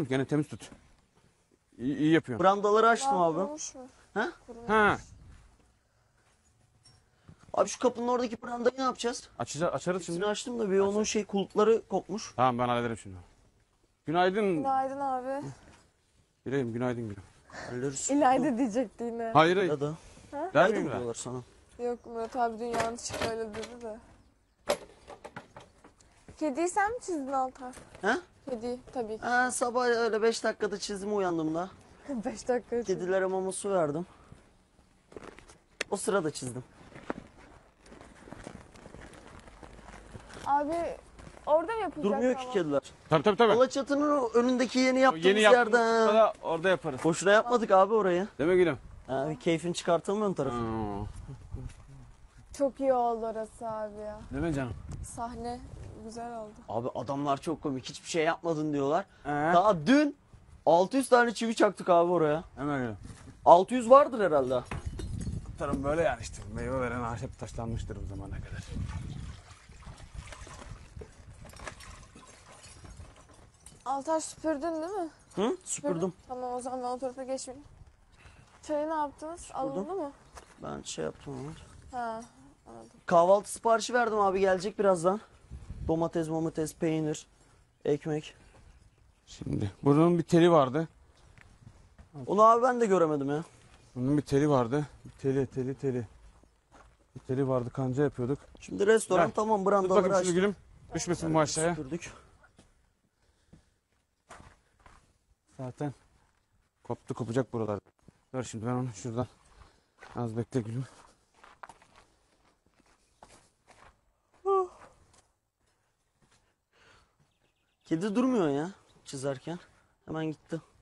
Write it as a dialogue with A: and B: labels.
A: Gene temiz tut. İyi yapıyorsun.
B: Brandaları açtım
C: Daha
B: abi.
C: kurumuş mu?
B: Ha?
C: Kurumuş.
A: Ha.
B: Abi şu kapının oradaki brandayı ne yapacağız?
A: Açarız
B: Şimdi
A: şimdi.
B: açtım da bir onun kulpları kopmuş.
A: Tamam ben hallederim şimdi. Günaydın.
C: Günaydın abi.
A: Yüreğim günaydın gülüm.
B: Hallederiz.
C: İlayda diyecekti yine.
A: Hayır hayır.
B: Ya da.
A: Der
B: Haydi
A: miyim
B: mi
A: ben?
B: diyorlar sana?
C: Yok Murat abi dün yanlışlıkla öyle dedi de. Kediyi sen mi çizdin Altar?
B: He?
C: Kedi tabii ki.
B: Ha, sabah öyle 5 dakikada çizdim uyandığımda.
C: 5 dakika için.
B: Kedilere mama su verdim. O sırada çizdim.
C: Abi orada mı yapılacak
B: Durmuyor ki
C: ama?
B: kediler.
A: Tabii.
B: Alaçatı'nın önündeki yeni yaptığımız
A: Yeni
B: yerde.
A: yaptığımızda da orada yaparız.
B: Boşuna yapmadık abi orayı.
A: Değil mi gülüm?
B: Ha, bir keyfini çıkartalım ön tarafı.
C: Çok iyi oldu orası abi ya.
A: Değil mi canım?
C: Sahne güzel oldu.
B: Abi adamlar çok komik. Hiçbir şey yapmadın diyorlar.
A: He.
B: Daha dün 600 tane çivi çaktık abi oraya.
A: Hemen gülüm.
B: 600 vardır herhalde.
A: Tarım böyle yani işte. Meyve veren ağaç hep taşlanmıştır bu zamana kadar.
C: Altar süpürdün değil mi?
B: Hı? Süpürdüm.
C: Tamam o zaman ben o tarafa geçmeyeyim. Çayı ne yaptınız? Alındı mı?
B: Ben şey yaptım ama.
C: Ha anladım.
B: Kahvaltı siparişi verdim abi, gelecek birazdan. Domates, peynir, ekmek.
A: Şimdi bunun bir teli vardı.
B: Onu abi ben de göremedim ya.
A: Bunun bir teli vardı. Bir teli. Bir teli vardı, kanca yapıyorduk.
B: Şimdi restoran
A: Gel.
B: tamam,
A: Tut
B: brandaları
A: bakayım şimdi
B: açtık.
A: gülüm. Düşmesin bu aşağıya.
B: Süpürdük.
A: Zaten kopacak buralar. Dur şimdi ben onu şuradan az bekle gülüm.
B: Kedi durmuyor ya çizerken. Hemen gitti.